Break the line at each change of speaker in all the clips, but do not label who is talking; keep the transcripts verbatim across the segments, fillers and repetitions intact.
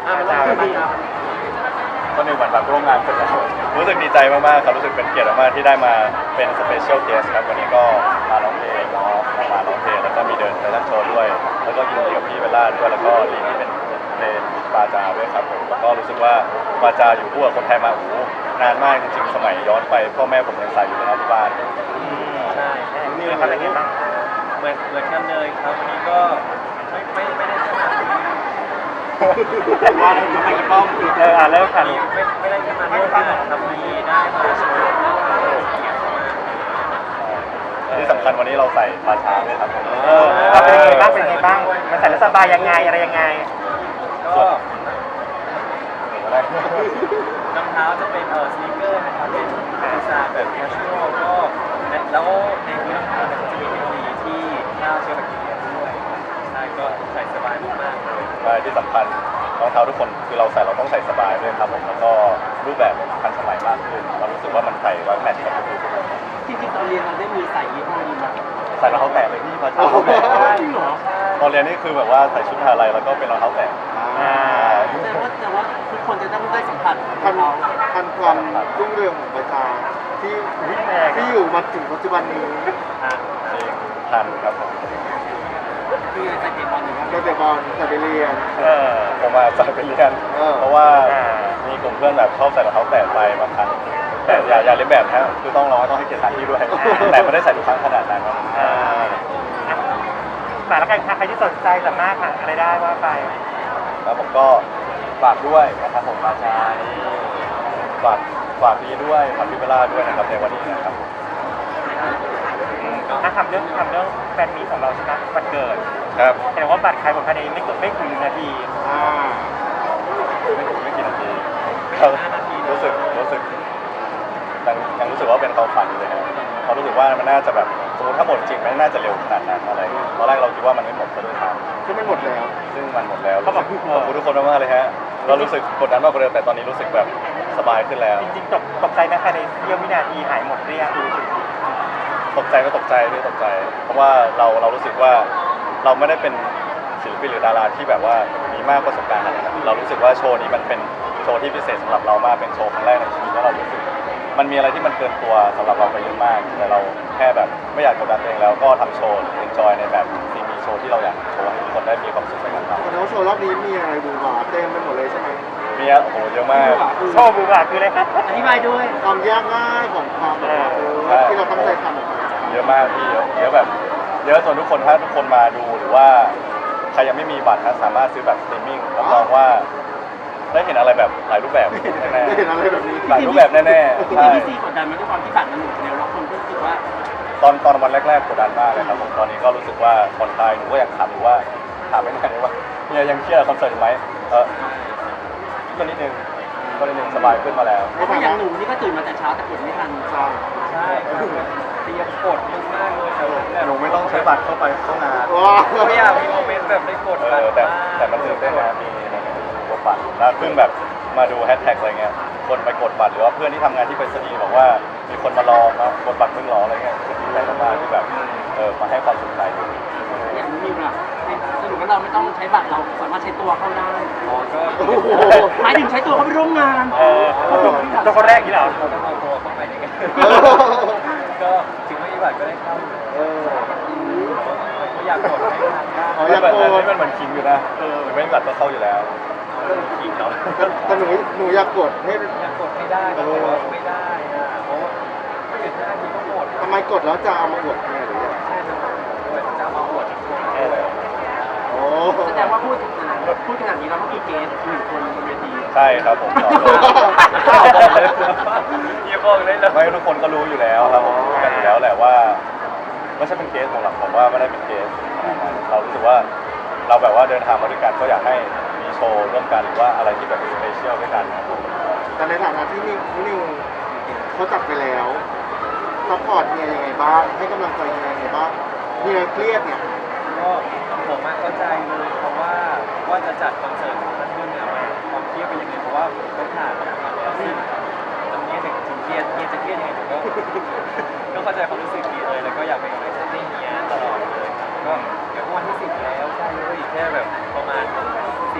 อาจารย์
ก็หนึ่งวันแบบร่วมงานเสร็จแล้วรู้สึกดีใจมากๆครับรู้สึกเป็นเกียรติมากๆที่ได้มาเป็นสเปเชียลเกสครับวันนี้ก็มาร้องเพลงเนาะมาร้องเพลงแล้วก็มีเดินแฟชั่นโชว์ด้วยแล้วก็ยินดีกับพี่เบลล่าด้วยแล้วก็ลีที่เป็นเพลงปาจาด้วยครับผมแล้วก็รู้สึกว่าปาจาอยู่คู่กับคนไทยมาโอ้โหนานมากจริงๆสมัยย้อนไปพ่อแม่ผมยังใส่อยู่เลยนะที่บ้าน
ใช่นี่เขาเป็นยังไงบ้างเหมือนเหมือนกันเลยครับวันนี้ก็ไม่ไม่ไม่ได้ขนาดว่าทำไมป้อมเอออ่าเริ่มค่ะไม่ไม่ได้แค่มาเรื่องที่ทำมีได้มาโชว์
ที่สำคัญวันนี้เราใส่ปาชาด้วยครับผม
เออเป็นยังไงบ้างเป็นยังไงบ้างมันใส่แล้วสบายยังไงอะไรยังไง
ก็รองเท้าจะเป็นเออสนีกเกอร์นะครับเป็นดีไซน์แบบแคชชวลก็แล้วในพื้นรองเท้าเนี่ยจะมีเทคโนโลยีที่ฆ่าเชื้อแบคทีเรียด้วยใช่ก็ใส่สบายมากๆเลย
ใช่ที่สำคัญรองเท้าทุกคนคือเราใส่เราต้องใส่สบายด้วยครับผมแล้วก็รูปแบบทันสมัยมากขึ้นเรารู้สึกว่ามันใส่แล้วแมทช์กับทุกคน
จริงๆตอนเรียนเราได้มีใส่ยี่ห้อนี้ไหม
ใส่รองเท้าแตะเลยพี่มาชา
จริงเหรอ
ตอนเรียนนี่คือแบบว่าใส่ชุดอะไรแล้วก็เป็นรองเท้าแตะ
แต่ว่าแต่ว่าทุกคนจะต้องได้สัมผัส
ทันทันความรุ่งเรืองของประชาที่ที่อยู่มาถึงปัจจุบันนี้
จริงทันครับผม
คือใส่เตะบอลอยู่ครับ
เราแต่บอลใส่ไปเรียน
ผมมาใส่ไปเรียนเพราะว่ามีกลุ่มเพื่อนแบบชอบใส่รองเท้าแตะไปบางครั้งแต่อย่าอย่าเล่นแบบนะคือต้องรอต้องให้เกียรติสถานที่ด้วยแต่ไม่ได้ใส่ทุกครั้งขนาดนั้น
ฝากแล้วกันใครที่สนใจสามารถหาอะไรได้ว่าไป
แล้วผมก็ฝากด้วยนะครับผมอาจารย์ฝากฝากพี่ด้วยฝากพี่เบลล่าด้วยนะครับในวันนี้นะครับ
ถ้าทำเรื่องทำเรื่องแฟนมีของเราใช่ไหมบัตรเกิด
ครับ
แต่ว่าบัตรขายหมดภายในไม่เกินไม่ถึงนาที
ไม่ถึงไม่กี่นาทีรู้สึกรู้สึกยังยังรู้สึกว่าเป็นความฝันอยู่เลยครับเพราะรู้สึกว่ามันน่าจะแบบสมมติถ้าหมดจริงมันน่าจะเร็วขนาดนั้นอะไรตอนแรกเราคิดว่ามันไม่หมดซะด้วยซ้
ำซึ่งมันหมดแล้ว
ซึ่งมันหมดแล้วขอบคุณทุกคนมากๆเลยฮะเรารู้สึกกดดันมากกว่าเดิมแต่ตอนนี้รู้สึกแบบสบายขึ้นแล้ว
จริงๆตกตกใจนะภายในเสี้ยววินาทีหายหมดเรียง
ตกใจก็ตกใจไม่ตกใจเพราะว่าเราเรารู้สึกว่าเราไม่ได้เป็นศิลปินหรือดาราที่แบบว่ามีมากประสบการณ์อะไรนะเรารู้สึกว่าโชว์นี้มันเป็นโชว์ที่พิเศษสำหรับเรามากเป็นโชว์ครั้งแรกในชีวิตแล้วเรารู้สึกมันมีอะไรที่มันเกินตัวสำหรับเราไปเยอะมากแต่เราแค่แบบไม่อยากกดดันตัวเองแล้วก็ทำโชว์เอนจอยในแบบที่มีโชว์ที่เราอยากโชว์ให้ทุกคนได้มีความสุขไปกับเรา
แต่ว่าโชว์รอบนี้มีอะไรดูหวาเต็มไปหมดเลยใช่ไหม
มีอะโอ้โหเยอะมาก
โชว์บูบาคืออะไรครับ
อธิบายด้วย
ความยากง่ายของความแบบที่เราตั้งใจทำออกมา
เยอะมากพี่เยอะเยอะแบบเยอะจนทุกคนถ้าทุกคนมาดูหรือว่าใครยังไม่มีบัตรนะสามารถซื้อแบบสตรีมมิ่งรับรองว่าได้เห็นอะไรแบบหลายรูปแบบแน่
ๆได้เห็นอะไรแบบนี้
หลายรูปแบบแน่ๆ
ใช่ที่ซีกดดันมาด้วยความที่บัตรมันหมดเร็วแล้วคนก็รู้สึกว่า
ตอนตอนวันแรกๆกดดันมากเลยครับผมตอนนี้ก็รู้สึกว่าผ่อนคลายหนูก็อยากถามอยู่ว่าถามไม่ได้เลยว่าเนี่ยยังเครียดคอนเสิร์ตไหมเออก็นิดนึงก็นิดนึงสบายขึ้นมาแล้ว
เพราะอย่างหนูนี่ก็ตื่นมาแต่เช้าแต่กดไม่ทันใช่ใช่เตรียมกดมากเลยแต่
หนูไม่ต้องใช้บัตรเข้าไปเข้างาน
ไม่อยากมีโมเมนต์แบบได้กดบัตร
แต่แต่มันตื่นเต้นนะมีกดบัตรแล้วเพิ่งแบบมาดูแฮชแท็กอะไรเงี้ยคนไปกดบัตรหรือว่าเพื่อนที่ทำงานที่ไปสนีบอกว่ามีคนมารอมากดบัตรเพิ่งรออะไรเงี้ยดีใจมากๆที่แบบเออมาให้ความสนใจ
อย่างนี้แบบสรุปว่าเราไม่ต้องใช้บัตรเราสามารถใช้ตัวเข้าได้อ๋อก็หมายถึงใช้ตัวเข้าไปร่วมงาน
เออตัวคนแรกนี่เหรอ
เราต้องเอาตัวเข้าไปนี่กันก็ถึงไม่มีบัตรก็ได้เข้าเอออยากกดให้ทางได้
อ๋ออยากกดนี่มันเหมือนคิงอยู่นะเออไม่มีบัตรก็เข้าอยู่แล้วคิงเขา
แต่หนูหนูอยากกดให้
อยากกดให้ได้แต่ว่าไม่ได้อะเพราะไม่ถึงห้านาทีก็หมด
ทำไมกดแล้วจะเอามาอวดแม่หรือยัง
ใช่จะจะมาอวด
โอ้
แสดงว่าพูดพูดขนาดนี้แล้วเมื่อกี้เกสหนึ่งคนบนเวที
ใช่ครับผม
อย่าบอกเลยนะ
ไม่ทุกคนก็รู้อยู่แล้วครับผมกันอยู่แล้วแหละว่าไม่ใช่เป็นเกสของเราผมว่าไม่ได้เป็นเกสเรารู้สึกว่าเราแบบว่าเดินทางมาด้วยกันก็อยากให้มีโชว์ร่วมกันหรือว่าอะไรที่แบบสเปเชียลด้วยกันนะ
แต่ในฐานะที่นิวนิวเขาจับไปแล้วซัพพอร์ตเนี่ยยังไงบ้างให้กำลังใจยังไงบ้างมีอะไรเครียดเนี่ย
ก็ผมเข้าใจเลยเพราะว่าว่าจะจัดคอนเสิร์ตนั้นขึ้นเนี่ยความเครียดเป็นยังไงเพราะว่าต้องผ่านมาแล้วซึ่งตรงนี้ถึงถึงเครียดเครียดจะเครียดยังไงผมก็ก็เข้าใจความรู้สึกดีเลยแล้วก็อยากเป็นกำลังใจให้เฮียตลอดเลยก็เดี๋ยววันที่สิบแล้วใช่เลยอีกแค่แบบประมาณสิบสิบ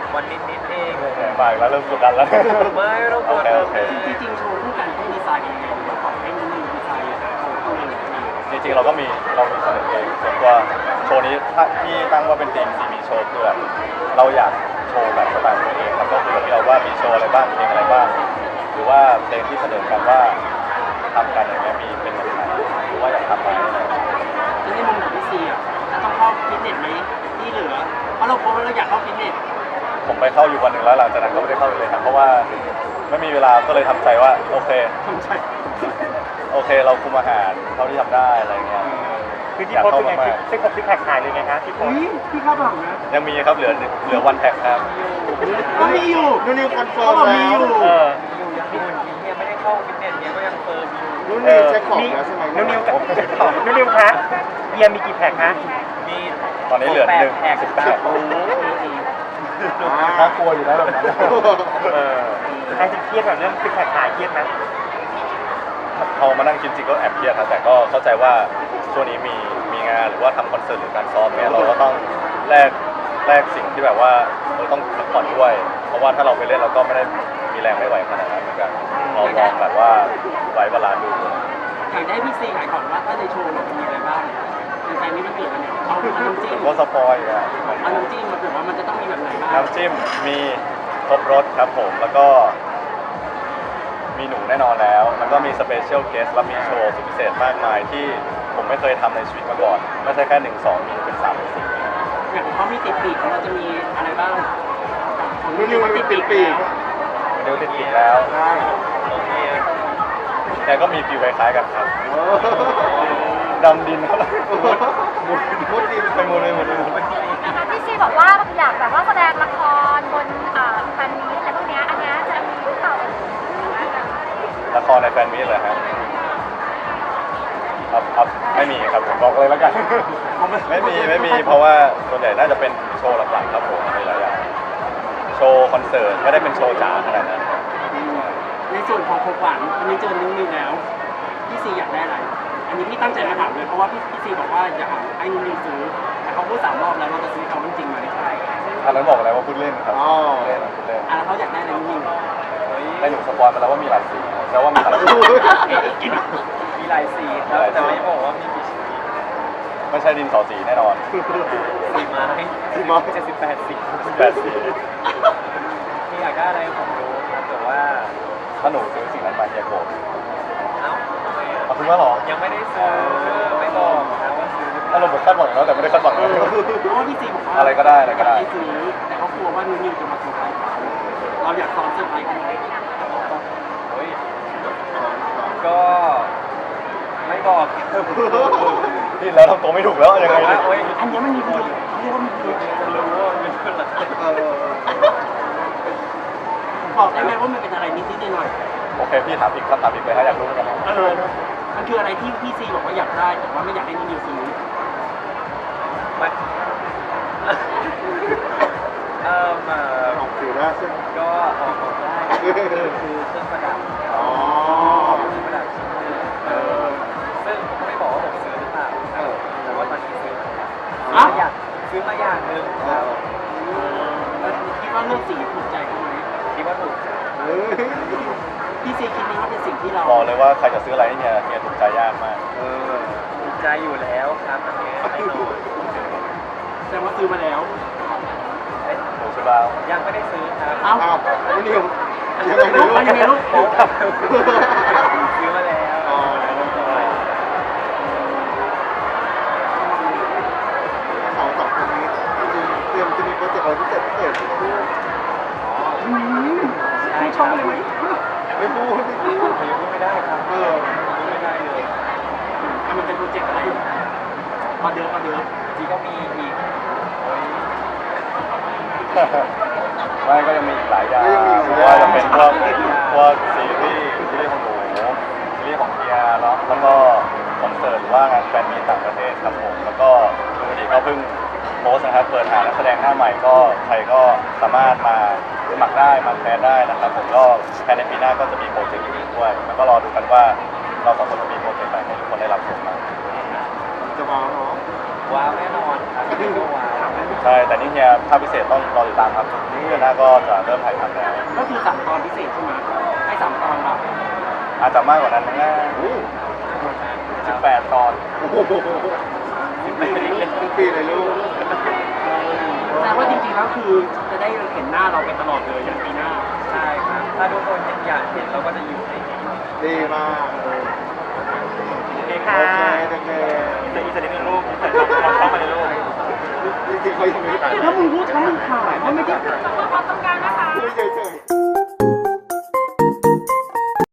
วันนิดๆเอง
บ่ายแล้วเริ่มกดดันแล้ว
ไม่ต้องกด
โอเค
ดัน
โอเค
จริงๆโชว์คู่กันต้องดีไซน์ยังไงหรือว่าของให้นิดนึงดีไซน์ของตัวเองยังไง
จริงๆเราก็มีเรามีเสนอเองส่วนตัวโชว์นี้ถ้าที่ตั้งว่าเป็นทีมซีมีโชว์คือแบบเราอยากโชว์แบบสไตล์ของตัวเองแล้วก็คุยกับพี่เราว่ามีโชว์อะไรบ้างเพลงอะไรบ้าง หรือว่าเพลงที่เสนอกันว่าทำกันอย่างเงี้ยมีเป็นแบบไหนหรือว่าอยากทำอะไรอะไรอย่างเงี้ย
แล้วในมุมของพี่ซีอ่ะจะต้องเข้าฟิตเนสไหมที่เหลือเพราะเราโพสต์ว่าเราอยากเข้าฟิตเนส
ผมไปเข้าอยู่วันหนึ่งแล้วหลังจากนั้นก็ไม่ได้เข้าอีกเลยครับเพราะว่าไม่มีเวลาก็เลยทำใจว่าโอเค
ทำใจ
โอเคเราคุมอาหารเท่าที่ทำได้อะไรเงี้ย
คือที่โพสต์เป็นไงซิกซิกแพคหายเลยไงคะที่โพสต์พี่เข้าบังนะ
ยังมีครับเหลือเหลือวันแท็กครับ
ก็มีอยู่
นุ่นนิวคอนเฟิ
เขา
ร์ม
บอกมี
แล้
อ
ว
ยู่
เออ
อยู่ยังหุ่นเฮียไม่ได้เข้าฟิตเนสเฮียก็ยังเฟิร์มอยู่
นุ่นนิวเช็คของแล้วใช่ไหม
นุ่นนิวกับนุ่นนิวคะเบียร์มีกี่แพ็คนะ
มี
ตอนนี้เหลือหนึ่ง
แพ็ค
สิบแปด
โอ้โห
น่ากลัวอยู่นะแบบนั้น
เออใครจะเครียดกับเรื่องซิกแพคหายเครียดไหม
พอมานั่งคิดจริงก็แอบเครียดครับแต่ก็เข้าใจว่าช่วงนี้มีมีงานหรือว่าทำคอนเสิร์ตหรือการซ้อมเนี่ยเราก็ต้องแลกแลกสิ่งที่แบบว่าเราต้องพักผ่อนด้วย เพราะว่าถ้าเราไปเล่นเราก็ไม่ได้มีแรงไม่ไหวขนาดนั้นเหมือนกันเราลองแบบว่าไว้เวลาดู
อยากได้พี่ซีขายของว่าถ้าในโชว์เราจะมีอะไรบ้างเป็นแฟนนี้มันเกิดอะไรเอาเอาน้ำจิ้ม
ก็สปอยล์อ่ะ
เอาน้ำจิ้มมาเกิดว่ามันจะต้องมีแบบไหนบ้าง
น้ำจิ้มมีครบรสครับผมแล้วก็มีหนูแน่นอนแล้วแล้วก็มีสเปเชียลเกสและมีโชว์สุดพิเศษมากมายที่ผมไม่เคยทำในชีวิตมาก่อนไม่ใช่แค่หนึ่งสองมีเป็นสามเป็นสี่
อย่างของเขามีติดปีกของเราจะมีอะไรบ้างของ
นุ่นนิวมันมีปีก
แล้ว
เดี๋ยวติดปีกแล้ว
ใช่
โอเค
แต่ก็มีฟิวคล้ายๆกันครับ
โอ้
ดำดินครับ
มุดมุดดิน
ไปหมดเลยหมดเลยหมดเลย
นะคะพี่ซีบอกว่าอยากแบบว่าแสดงละครบนอ่าแฟนมีตอะไรพวกเนี้ยอันเนี้ยจะมีหรือเปล่า
ละครในแฟนมีตเลยฮะครับครับไม่มีครับผมบอกเลยแล้วกัน ไม่มีไม่มีเพราะว่าส่วนใหญ่น่าจะเป็นโชว์หลักๆครับผมในหลายอย่างโชว์คอนเสิร์ตไม่ได้เป็นโชว์จ๋าขนาดนั้นครับ
ในส่วนของของหวานอันนี้เจอนิ้วนิวแล้วพี่ซีอยากได้อะไร อันนี้พี่ตั้งใจมาถามเลยเพราะว่าพี่พี่ซีบอกว่าอยากให้นิ้วนิวซื้อแต่เขาพูดสามรอบแล้วเราจะซื้อเขาจริงไหม
อันนั้นบอกแล้วว่าพูดเล่นครับ
อ๋อ
พูดเล่นพูดเล่น
อ่ะแล้วเขาอยากได้อะไรนิ้วนิว
ได้หนูสปอยล์มาแล้วว่ามีหลายสีแล้วว่ามีหลายสี
มีหลายสีครับแต่ไม่บอกว่ามีกี่ชนิด
ไม่ใช่ดินสอสีแน่นอน
สีไม้
สีไม้
เจ็ดสิบแปดสี
แปดสี
มีอยากได้อะไรผมรู้ครับแต่ว่า
ถ้าหนูซื้อสิ่งนั้นมาเฮียโกรธ
เอ้าทำไมอะ
เอาคุณว่าหรอ
ยังไม่ได้ซื้อไม่บอกนะว่าซื้อหรือเป
ถ้า
ล่า
เราเหมือนคาดหวังแล้วแต่ไม่ได้คาดหวังเลย
เพราะว่าพี่ซีบอกว่า
อะไรก็ได้อะไรก็ได้
ยาให้ซื้อแต่เขากลัวว่านิ้วนิวจะมาเซอร์ไพรส์เขาเราอยากซ้อนเซอร์ไพรส์เขาไหม
เฮ้ยก็ไม่บอก
นี่แล้วทำตัวไม่ถูกแล้วยังไง
แต่ว่า
เนี่ย
โอ๊ย
อันเนี้ยมันมีประโยชน์เขาเรียกว่ามีประโยชน์
จะรู้ว่ามันเป็นอะไร
เออ
บอกได้ไหมว่ามันเป็นอะไรนิดนิดหน่อย
โอเคพี่ถามอีกคำถามอีกเลยฮะอยากรู้เหมือนกันนะ
ๆเออมันคืออะไรที่พี่ซีบอกว่าอยากได้แต่ว่าไม่อยากให้นิ้วนิวซื้อ
มันเอ่อมา
ออกสื่อได้ใช่ไหม
ก็ออกบอกได้คือคือเครื่องประดับ
อ๋อ
เครื่องประดับชิ้นหนึงเออซึ่งผมก็ไม่บอกว่าผมซื้อหรือเปล่าครับแต่ว่าตอนนี้ซื้อมาแล้วซื้อมาอย่างซื้อมาอย่างหนึ่งครับ
เออคิดว่าเลือกสีถูกใจเขาไหม
คิดว่าถูกใจ
เฮ้ย
พี่ซีคิดไหมว่าเป็นสิ่งที่เรา
บอกเลยว่าใครจะซื้ออะไรให้เฮียเฮียถูกใจยากมาก
เออ
ถูกใจอยู่แล้วครับอันนี้แน่นอน
แสดงว่าซื้อมาแล้ว
เอ้ย
หนูซื้อบ้า
ยังไม่ได้ซื้อครับ
เอ้า
อ้าวนุ่นนิวยังไง
ลู
ลู
ก
ก
มันยังไงลูก
ซื้อมาแล้ว
อ๋อ สองสองคนนี้จริงๆเตรียมจะมีโปรเจกต์อะไรพิเศษพิเศษพูด
ใช่
ช่องเลยไหม
ไม่พูดไม่พูด
ผมยังพูดไม่ได้ครับ
เออ
พูดไม่ได้เลย
อ่ะมันเป็นโปรเจกต์อะไรมาเดิมมาเดิม
ที่ก็มีอีกโอ้ย
ไม่ก็ยังมีอีกหลายอย่าง
ก็ยังมีอีกหลายอย่าง
ว่าจะเป็นพวกพวกซีรีส์ซีรีส์ของหนูซีรีส์ของเฮียเนาะแล้วก็คอนเสิร์ตหรือว่างานแฟนมีตต่างประเทศครับผมแล้วก็ดูดีก็เพิ่งโพสต์นะครับเปิดหานักแสดงหน้าใหม่ก็ใครก็สามารถมาสมัครได้มาแทนได้นะครับผมก็ภายในปีหน้าก็จะมีโปรเจกต์อื่นด้วยแล้วก็รอดูกันว่าเราสองคนจะมีโปรเจกต์อะไรให้ทุกคนได้รับชมบ้าง
จะมาเนาะ
ว้าวแน่นอนครับก็ว้าว
ใช่แต่นี่เฮียภาพพิเศษต้องรอติดตามครับเดือนหน้าก็จะเริ่มถ่ายทำแล้ว
ก็คือสามตอนพิเศษใช่ไหมให้สามตอนแบบ
อาจจะมากกว่านั้นมั้งนะสิบแปดตอน
โอ้โหทุกปีเลยลูก
แต่ว่าจริงๆแล้วคือจะได้เห็นหน้าเราไปตลอดเลยอย่างปีหน้า
ใช่ครับถ้าทุกคนอยากเห็นเราก็จะอยู่ในนี้
ดีมากเออ
โอเค
โอ
ค่ะ
เคโอเค
แต่อีกสักนิดนึงลูกแต่เราเข้ามาในลูก
จริงๆเขายังไม่ได้ถ่าย
ถ้ามึงพูดทั้งมึงถ่ายว่าไม่ได้
ความต้อง